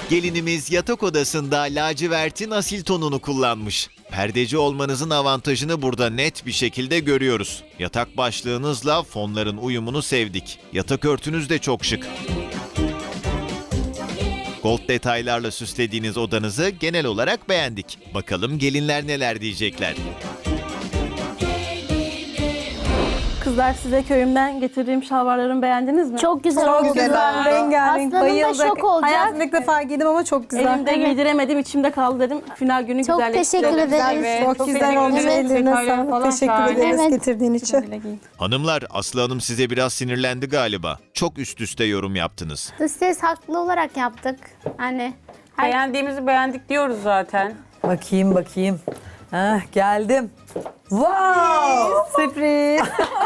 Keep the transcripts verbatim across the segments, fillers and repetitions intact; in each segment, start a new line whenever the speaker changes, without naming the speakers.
Gelinimiz yatak odasında lacivertin asil tonunu kullanmış. Perdeci olmanızın avantajını burada net bir şekilde görüyoruz. Yatak başlığınızla fonların uyumunu sevdik. Yatak örtünüz de çok şık. Gold detaylarla süslediğiniz odanızı genel olarak beğendik. Bakalım gelinler neler diyecekler.
Kızlar, size köyümden getirdiğim şalvarlarımı beğendiniz mi?
Çok güzel
Çok
oldu.
güzel, rengarenk,
Aslanım da
bayıldık.
şok olacak.
Hayatımda ilk defa giydim ama çok güzel.
Elimde giydiremedim, içimde kaldı dedim. Final günü
Çok
güzelleştirdim.
teşekkür ederiz.
Evet,
Çok, güzel olmuş,
Evet.
ellerine
Detayları
sağlık.
falan
Teşekkür
şahane.
ederiz
Evet.
getirdiğin için.
Güle giyin.
Hanımlar, Aslı Hanım size biraz sinirlendi galiba. Çok üst üste yorum yaptınız.
Dış ses haklı olarak yaptık. Hani her...
Beğendiğimizi beğendik diyoruz zaten.
Bakayım bakayım. Heh, geldim. Wow!
Sürpriz.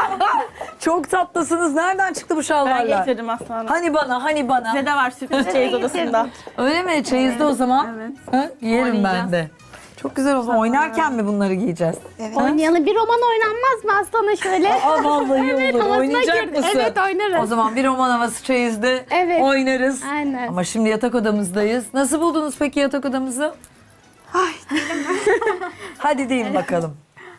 Çok tatlısınız. Nereden çıktı bu
Ben
şalvarlar?
getirdim aslanım.
Hani bana, hani bana.
Size de var sürpriz çeyiz odasında.
Öyle mi? Çeyizde o zaman.
Evet.
Ha, giyerim ben
Oynayacağız.
de. Çok güzel o zaman. Oynarken mi bunları giyeceğiz?
Oynayalım. Bir roman oynanmaz mı aslanım şöyle?
Aa vallahi
Evet,
olur.
havasına
Oynayacak
girdi.
mısın?
Evet, oynarız.
O zaman bir roman havası çeyizde
Evet.
oynarız.
Aynen.
Ama şimdi yatak odamızdayız. Nasıl buldunuz peki yatak odamızı? Ay Hadi deyin bakalım.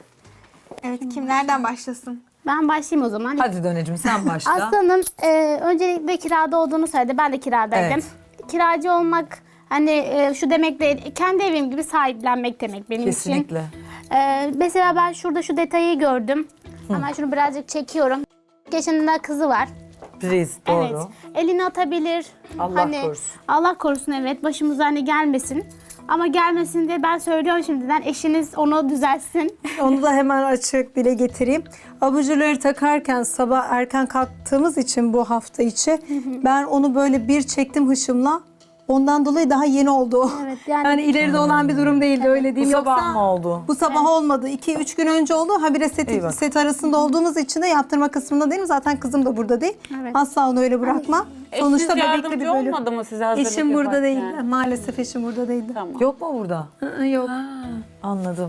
Evet, kim nereden başlasın?
Ben başlayayım o zaman.
Hadi Dönecim sen başla.
Aslanım e, öncelikle kirada olduğunu söyledi. Ben de kiradaydım.
Evet.
Kiracı olmak hani e, şu demek değil, kendi evim gibi sahiplenmek demek benim
Kesinlikle.
için. E, mesela ben şurada şu detayı gördüm. Hemen şunu birazcık çekiyorum. Yaşında kızı var.
Priz doğru.
Evet. Elini atabilir.
Allah
hani,
korusun.
Allah korusun, evet. Başımıza hani gelmesin. Ama gelmesin diye ben söylüyorum şimdiden. Eşiniz onu düzeltsin.
Onu da hemen açık dile getireyim. Abajurları takarken sabah erken kalktığımız için bu hafta içi ben onu böyle bir çektim hışımla. Ondan dolayı daha yeni oldu o.
Evet, yani-
yani ileride olan bir durum değildi, öyle
Bu
diyeyim.
sabah
Yoksa
mı oldu?
bu sabah olmadı. iki üç gün önce oldu. Habire
Eyvah.
set, set arasında olduğumuz için de yaptırma kısmında değilim. Zaten kızım da burada değil.
Evet.
Asla onu öyle bırakma. Sonuçta
Eşiniz
bebekli bir
yardımcı
bölüm.
olmadı mı size hazırlık
Eşim burada değil.
yaparken?
Maalesef eşim burada değildi.
Tamam.
Yok mu burada?
Hı, Yok.
Anladım.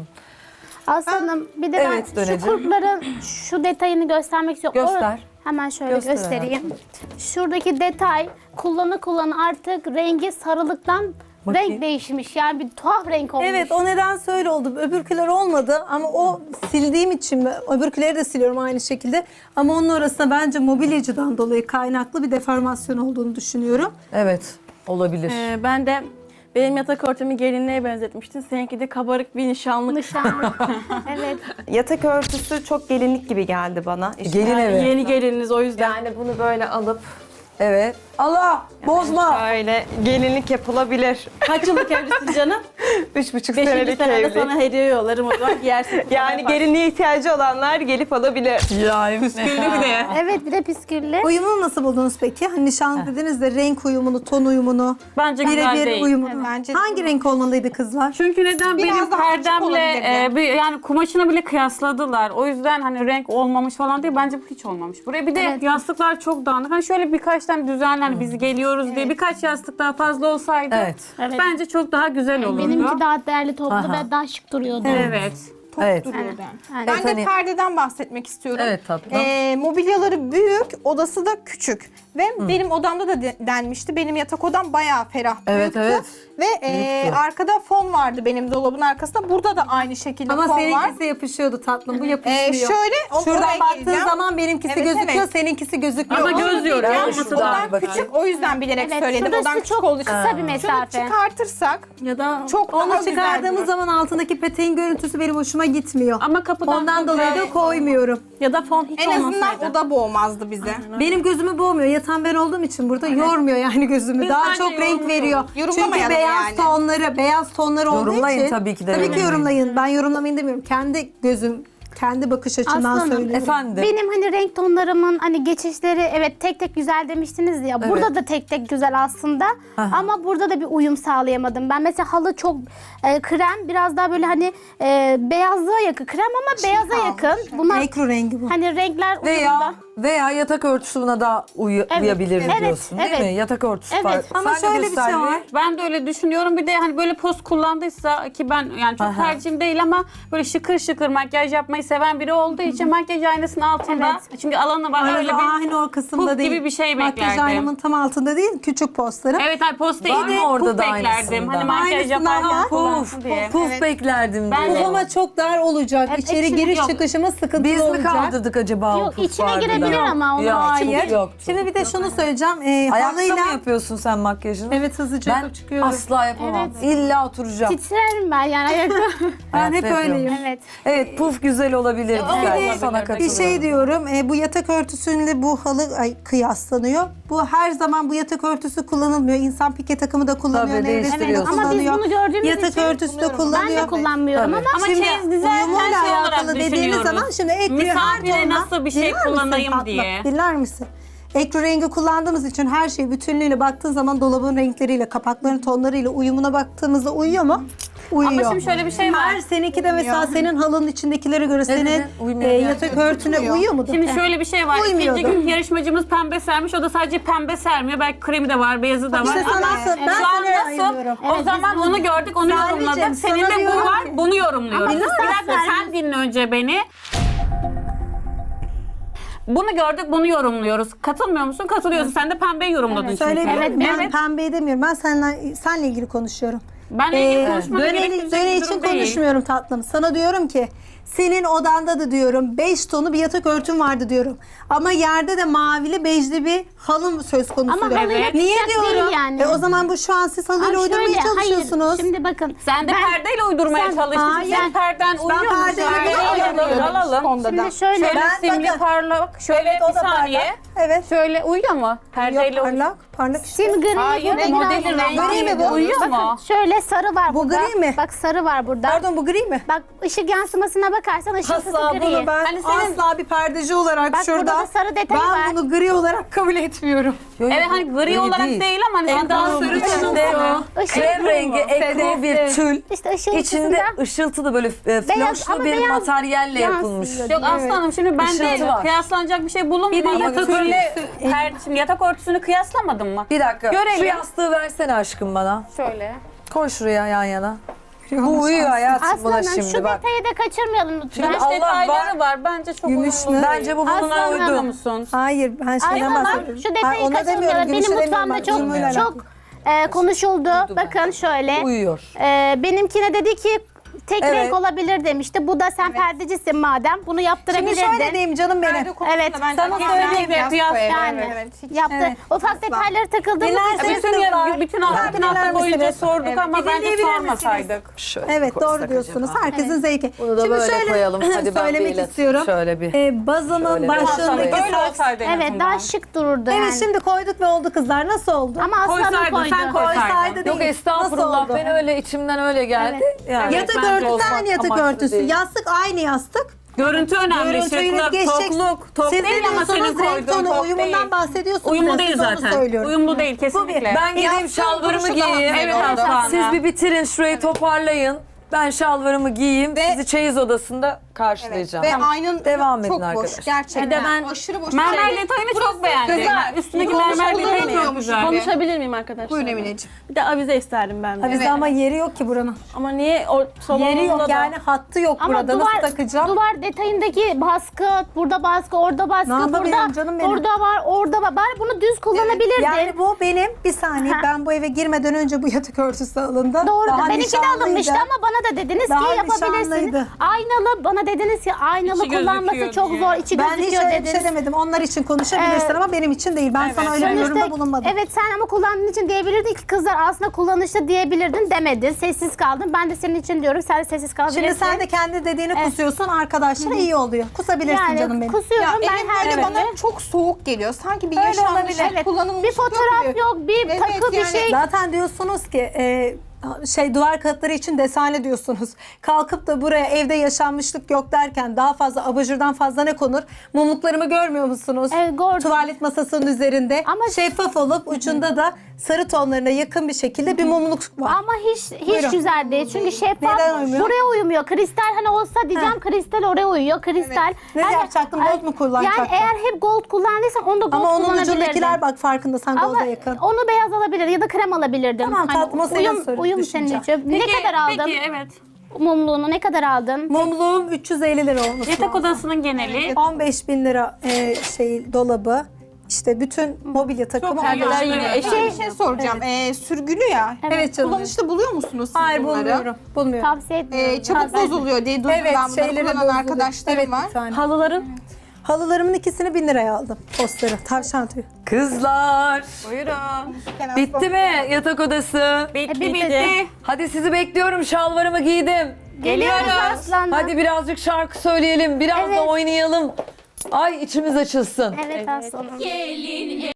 Aslanım bir de
Evet,
ben
Dönecim.
şu kurtların şu detayını göstermek istiyorum.
Göster.
O- hemen şöyle
Göster
göstereyim. Şuradaki detay kullanı kullanı artık rengi sarılıktan
Bakayım.
renk değişmiş. Yani bir tuhaf renk olmuş.
Evet, o neden öyle oldu. Öbürküler olmadı ama o sildiğim için mi? Öbürküleri de siliyorum aynı şekilde. Ama onun arasında bence mobilyacıdan dolayı kaynaklı bir deformasyon olduğunu düşünüyorum.
Evet olabilir.
Ee, ben de benim yatak örtümü gelinliğe benzetmiştin. Seninki de kabarık bir nişanlık.
Nişanlı. Evet.
Yatak örtüsü çok gelinlik gibi geldi bana. İşte
Gelin evi.
Yeni gelininiz o yüzden.
yani bunu böyle alıp
Evet. Allah bozma.
şöyle gelinlik yapılabilir.
Kaç yıllık evlisin canım?
Üç buçuk
Beşinci
senelik
senede
evli.
sana hediye yollarım o zaman giyersin.
Yani gelinliğe ihtiyacı olanlar gelip alabilir.
Ya
Püsküllü bir de.
Evet, bir de püsküllü.
Uyumunu nasıl buldunuz peki? Hani nişan dediniz de renk uyumunu, ton uyumunu,
Bence güzel
birebir
değil.
uyumunu.
Bence de
Hangi renk olmalıydı kızlar?
Çünkü neden
Biraz
benim
daha açık
perdemle
olabilirdi.
e, bir, yani kumaşını bile kıyasladılar. O yüzden hani renk olmamış falan değil. Bence bu hiç olmamış. Buraya bir de
Evet.
yastıklar çok dağınık. Hani şöyle birkaç tane düzenli hani biz geliyoruz diye birkaç yastık daha fazla olsaydı
Evet.
Evet.
bence çok daha güzel olurdu.
Benimki daha değerli toplu
Aha.
ve daha şık duruyordu.
Evet.
Evet.
duruyordu.
Yani-
Ben de
hani-
perdeden bahsetmek istiyorum.
Evet tatlım.
Ee, mobilyaları büyük, odası da küçük. Ve benim odamda da de- denmişti. Benim yatak odam bayağı ferah,
Evet,
büyüktü.
evet.
Ve e,
Büyüktü.
arkada fon vardı benim dolabın arkasında. Burada da aynı şekilde
Ama
fon var.
seninkisi yapışıyordu tatlım, bu yapışmıyor.
Ee, şöyle, o-
Şuradan
oraya
baktığın
geleceğim.
zaman benimkisi
Evet,
gözüküyor,
evet.
seninkisi gözükmüyor.
Ama göz yoruyor.
Ben
olması
şuradan
lazım.
bir bakayım.
Küçük, o yüzden bilerek
Evet,
söyledim.
şurası
Odam küçük
çok
olduğu için.
kısa bir
Şunu
mesafe.
çıkartırsak
Ya da
çok daha
Onu
güzel
çıkardığımız
durur.
zaman altındaki peteğin görüntüsü benim hoşuma gitmiyor.
Ama kapıdan
Ondan dolayı da koymuyorum.
ya da fon hiç
En azından
olmasaydı.
oda boğmazdı bize.
Benim gözümü boğmuyor. Yatan ben olduğum için burada yormuyor yani gözümü.
Biz
Daha
bence
çok renk
yorumluyoruz.
veriyor. Çünkü
Yorumlamayalım
beyaz
yani.
tonları, beyaz tonları olduğu
Yorumlayın
için.
tabii ki de
Tabii ki
yorumlayın.
yorumlayın. Ben yorumlamayın demiyorum. Kendi gözüm, kendi bakış açımdan
Aslanım,
söylüyorum.
Efendim.
Benim hani renk tonlarımın hani geçişleri evet tek tek güzel demiştiniz ya. Burada da tek tek güzel aslında. Ama burada da bir uyum sağlayamadım. Ben mesela halı çok e, krem, biraz daha böyle hani e, beyazlığa yakın. Krem ama beyaza yakın. Bunlar
Ekru rengi bu.
hani renkler
Veya
uyumda.
Veya yatak örtüsü buna da uyu- uyabilir
evet,
diyorsun değil
evet.
mi? Yatak örtüsü
Evet.
var.
Ama
Sen de
şöyle bir şey
Selvi.
var.
Ben de öyle düşünüyorum. Bir de hani böyle poz kullandıysa ki ben yani çok
Aha.
tercihim değil ama böyle şıkır şıkır makyaj yapmayı seven biri olduğu için makyaj aynasının altında. Çünkü alanı var öyle
Öyle
bir
aynı o kısımda
puf
değil.
gibi bir şey
Makyaj
beklerdim.
aynamın tam altında değil, küçük postlarım.
Evet hani poz değil
Var
de
mı orada
puf
da
beklerdim.
aynısından?
Hani makyaj
Aynısından
yaparken
var.
kullansın
Puf,
diye.
puf beklerdim
Ben
diyor.
de-
Ama çok dar olacak.
Evet,
İçeri
içine-
giriş
yok.
çıkışımız sıkıntılı
Biz mi
olacak.
kaldırdık acaba o
Yok,
puf
içine
vardı da?
girebilir ama onu
Yok,
Hayır.
yoktu.
Şimdi bir de şunu söyleyeceğim. Ee,
Ayakta mı
halıyla...
yapıyorsun sen makyajını?
Evet, hızlıca
Ben
yapıp çıkıyorum.
asla yapamam.
Evet.
İlla oturacağım.
Titrerim ben yani ayakta.
Ben hep
Hayatta
öyleyim.
yapıyorum.
Evet.
Evet, puf güzel olabilir.
o
Güzel.
bir de-
Sana
bir
Bir
katılıyorum.
şey diyorum, e, bu yatak örtüsüyle bu halı ay, kıyaslanıyor. Bu her zaman bu yatak örtüsü kullanılmıyor. İnsan pike takımı da kullanıyor,
Tabii,
nevresim de
değiştiriyorsun.
Ama biz
kullanıyor.
bunu gördüğümüz
Yatak
için
örtüsü de kullanıyor.
ben de kullanmıyorum
Tabii.
ama
Ama
Şimdi
çeyiz dizerken
uyumuyla
şey olarak
alakalı dediğiniz
düşünüyoruz.
zaman şimdi ekru her
Misafire
tonla...
nasıl bir şey
Dinler misin
kullanayım
tatlım?
diye.
Dinler misin? Ekru rengi kullandığımız için her şey bütünlüğüyle baktığın zaman dolabın renkleriyle, kapakların tonlarıyla uyumuna baktığımızda uyuyor mu? Uyuyor.
Ama şimdi şöyle bir şey var.
Her seninki de mesela senin halının içindekilere göre senin
dedin? Uymuyor
e,
yani.
yatak örtüne uyuyor mu?
Şimdi şöyle bir şey var.
Uymuyordu.
İkinci gün yarışmacımız pembe sermiş. O da sadece pembe sermiyor. Belki kremi de var, beyazı da var.
İşte sana
Ama
nasıl- ben
şu an
sana
nasıl?
ayırıyorum.
O zaman onu gördük, onu
Sadece
yorumladık.
sana
Senin de bu
diyorum
var,
ki-
bunu yorumluyoruz.
Ama
Bir
sen
dakika sen dinle önce beni. Bunu gördük, bunu yorumluyoruz. Katılmıyor musun? Katılıyorsun. Sen de pembeyi yorumladın çünkü.
Söyleyebilirim.
Evet,
ben
evet.
pembeyi demiyorum. Ben seninle, seninle ilgili konuşuyorum.
Benle ilgili
Ee,
konuşmana
döne,
gerektirecek
döne
bir
için
durum değil.
konuşmuyorum tatlım. Sana diyorum ki senin odanda da diyorum beş tonu bir yatak örtün vardı diyorum. Ama yerde de mavili bejli bir halım söz konusu.
Ama
diyorum.
halıyla
Niye
tutacak değil
diyorum?
yani.
E, o zaman bu şu an siz halıyla
Abi
uydurmaya
şöyle,
çalışıyorsunuz.
Hayır, şimdi bakın.
Sen de
ben-
perdeyle uydurmaya
Sen-
çalıştın.
Hayır.
Sen perden uyuyor musun?
perdeyle
Şöyle
uyuyorum.
alalım, alalım.
Şimdi şöyle.
Şöyle
Ben
simli
bakın-
parlak. Şöyle
Evet, o
bir
da
saniye.
parlak. Evet.
Şöyle uyuyor mu? Perdeyle
Yok,
uyuyor.
parlak. Parlak işte.
Sim gri.
Hayır,
burada
modelin
biraz-
rengi
Gri mi bu?
uyuyor
Bakın
mu?
şöyle sarı var
Bu
burada.
gri mi?
Bak sarı var burada.
Pardon, bu gri mi?
Bak ışık yansımasına bakarsan ışıltısı
Asla
gri.
bunu ben
Hani senin-
asla bir perdeci olarak
Bak,
şurada
burada da sarı detay
ben
var.
bunu gri olarak kabul etmiyorum.
Yo, yo,
Evet
bu
hani gri olarak değil, ama hani
En daha sarı içinde
Işık
krem
gri.
rengi ekru bir tül.
İşte ışıltısında.
İçinde ışıltılı böyle e,
Beyaz,
floşlu
ama
bir
beyaz
materyalle yapılmış.
yansıyor.
Yok aslanım şimdi ben
Işıltı
de
var.
kıyaslanacak bir şey bulunmadı.
Bir de yatak
Böyle per, şimdi yatak örtüsünü kıyaslamadın mı?
Bir dakika.
Görelim.
Şu yastığı versene aşkım bana.
Şöyle.
Koy şuraya yan yana. Bu uyuyor hayatım buna
Aslanım
şimdi
şu
bak.
detayı da kaçırmayalım lütfen.
Şimdi
Gümüş
Allah
detayları
var.
var. Bence çok
Gümüş
uyumlu
mü?
değil.
Bence bu bununla
Aslanım.
Uyumlu
uydu.
musun?
Hayır, ben şeyden
Aslanım
bahsediyorum.
şu detayı
Hayır, ona demiyorum,
kaçırmayalım.
gümüşe
Benim
demiyorum
mutfağımda
ben,
çok
uyumuyla
çok e, konuşuldu. Bakın şöyle.
Uyuyor.
E, benimkine dedi ki tek
Evet.
renk olabilir demişti. Bu da sen perdecisin madem. Bunu
Şimdi
yaptırabilirdin.
şöyle diyeyim canım benim.
Evet.
Sana söyleyeyim ya.
Yani
Evet.
yaptı.
Evet.
Ufak detaylara takıldığımız
Dinlerseniz
için.
Bütün,
kızlar.
ya, bütün hafta, bütün hafta
dinler
boyunca
misiniz?
sorduk
Evet.
ama
Bir
bence
dinleyebilir
sormasaydık.
Şöyle
Evet,
koysak
doğru diyorsunuz.
acaba?
Herkesin zevki.
Bunu da
Şimdi
böyle
şöyle
koyalım. Hadi ben
söylemek
bir ilet-
istiyorum.
şöyle bir-
Ee, bazımın
Şöyle bir-
başlığındaki
Böyle
saks.
olsaydı en
Evet
azından.
daha şık dururdu yani.
Evet, şimdi koyduk ve oldu kızlar. Nasıl oldu?
Ama aslanım
Koysaydın,
koydu.
sen koy.
Koysaydı
Yok
değil.
estağfurullah
Nasıl oldu?
ben öyle içimden öyle geldi. Yani.
Yatak
bence
örtüsü
olmak
aynı yatak
amaçlı
örtüsü.
değil.
Yastık aynı yastık.
Görüntü önemli,
Görüntüyü
şıklık,
geçeceksin.
tokluk. Tok
Siz
değil
ne
ama senin
diyorsunuz? Renk
koyduğun
tonu,
tok
uyumundan
değil.
bahsediyorsunuz.
Uyumlu
ya,
değil
siz onu
zaten.
söylüyorum.
Uyumlu değil kesinlikle.
Ben gideyim
Yastığın
şalvarımı
duruşu daha
giyeyim.
Evet Aslan.
Siz bir bitirin şurayı toparlayın. Ben şalvarımı giyeyim.
Ve-
Sizi çeyiz odasında karşılayacağım.
Ve aynın
Devam edin
çok boş
arkadaşlar.
gerçekten.
Bir de ben
aşırı boş.
mermer
Şey,
detayını çok beğendim.
güzel.
Üstündeki
Bunu
mermer detayı çok
kullanılmıyormuş
güzel.
Konuşabilir miyim arkadaşlar?
Buyurun Emineciğim.
Bir de avize isterdim ben de.
Ha, bizde
Evet.
ama yeri yok ki buranın.
Ama niye o salonunda
Yeri yok
da...
yani, hattı yok
Ama
burada.
duvar,
Nasıl takacağım?
duvar detayındaki baskı, burada baskı, orada baskı,
Ne yapabilirim
burada,
canım benim?
orada var, orada var. Bari bunu düz kullanabilirdin.
Yani bu benim, bir saniye,
Ha.
ben bu eve girmeden önce bu yatak örtüsü alındı.
Doğru.
Daha
Benimki de
nişanlıydı.
alınmıştı ama bana da dediniz
Daha
ki yapabilirsiniz.
nişanlıydı.
Aynalı bana dediniz ki aynalı
İçi
kullanması
gözüküyor
çok
diye.
zor, içi
Ben hiç
gözüküyor
öyle bir
dediniz.
şey demedim. Onlar için konuşabilirsin
Evet.
ama benim için değil. Ben sana öyle bir yorumda
Sonuçta-
bulunmadım.
Evet sen ama kullandığın için diyebilirdin ki kızlar aslında kullanışlı diyebilirdin demedin. Sessiz kaldın. Ben de senin için diyorum sen de sessiz kalabilirsin.
Şimdi sen de kendi dediğini kusuyorsun, arkadaşlar iyi oluyor. Kusabilirsin
yani
canım benim.
kusuyorum
Ya
ben
elim
her
böyle
evet.
bana çok soğuk geliyor. Sanki bir
Öyle
yaşanmış,
olabilir.
Evet.
kullanılmış
Bir fotoğraf
gibi.
yok, bir
Evet,
takı bir
yani-
şey.
Zaten diyorsunuz ki e, şey duvar kağıtları için desane diyorsunuz. Kalkıp da buraya evde yaşanmışlık yok derken daha fazla abajurdan fazla ne konur? Mumluklarımı görmüyor musunuz?
Evet, gördüm.
Tuvalet masasının üzerinde.
Ama-
şeffaf olup ucunda da sarı tonlarına yakın bir şekilde bir mumluk var.
Ama hiç hiç
Buyurun.
güzel değil. Çünkü şeffaf
Neden uymuyor?
buraya uymuyor. Kristal hani olsa diyeceğim kristal oraya uyuyor. Kristal.
Ne yapacaktın? Gold mu kullanacaktın?
Yani eğer hep gold kullandıysan onu da gold
Ama onun
kullanabilirdin.
ucundakiler bak farkındasan
Ama
golda yakın.
onu beyaz alabilir ya da krem alabilirdin.
Tamam, tatlım, o senin
uyum,
sorun,
uyum senin
düşünce.
için. Ne kadar aldın?
Peki evet.
Mumluğunu ne kadar aldın?
Mumluğum üç yüz elli lira olması
Yatak
lazım.
odasının geneli.
on beş bin lira e, şey dolabı. İşte bütün mobilya takımı.
perdeler
on beş bin
yine
lira.
eşit.
Şey, bir şey soracağım. Ee, sürgülü ya.
Evet canım.
Kullanışta buluyor musunuz siz
Hayır
bunları?
bulmuyorum. Bulmuyorum.
Tavsiye etmiyorum.
Ee, çabuk
Tavsiye
bozuluyor diye duydum
Evet
ben bunları
şeyleri
kullanan
bozuldu.
arkadaşlarım
Evet,
var.
bir tane.
Halıların.
Halılarımın ikisini bin liraya aldım. Postları. Tavşan tüyü.
Kızlar
Buyurun.
bitti mi yatak odası?
Bitti
bitti.
bitti.
Hadi sizi bekliyorum, şalvarımı giydim.
Geliyoruz aslanım.
Hadi birazcık şarkı söyleyelim, biraz
Evet.
da oynayalım. Ay içimiz açılsın.
Evet aslanım.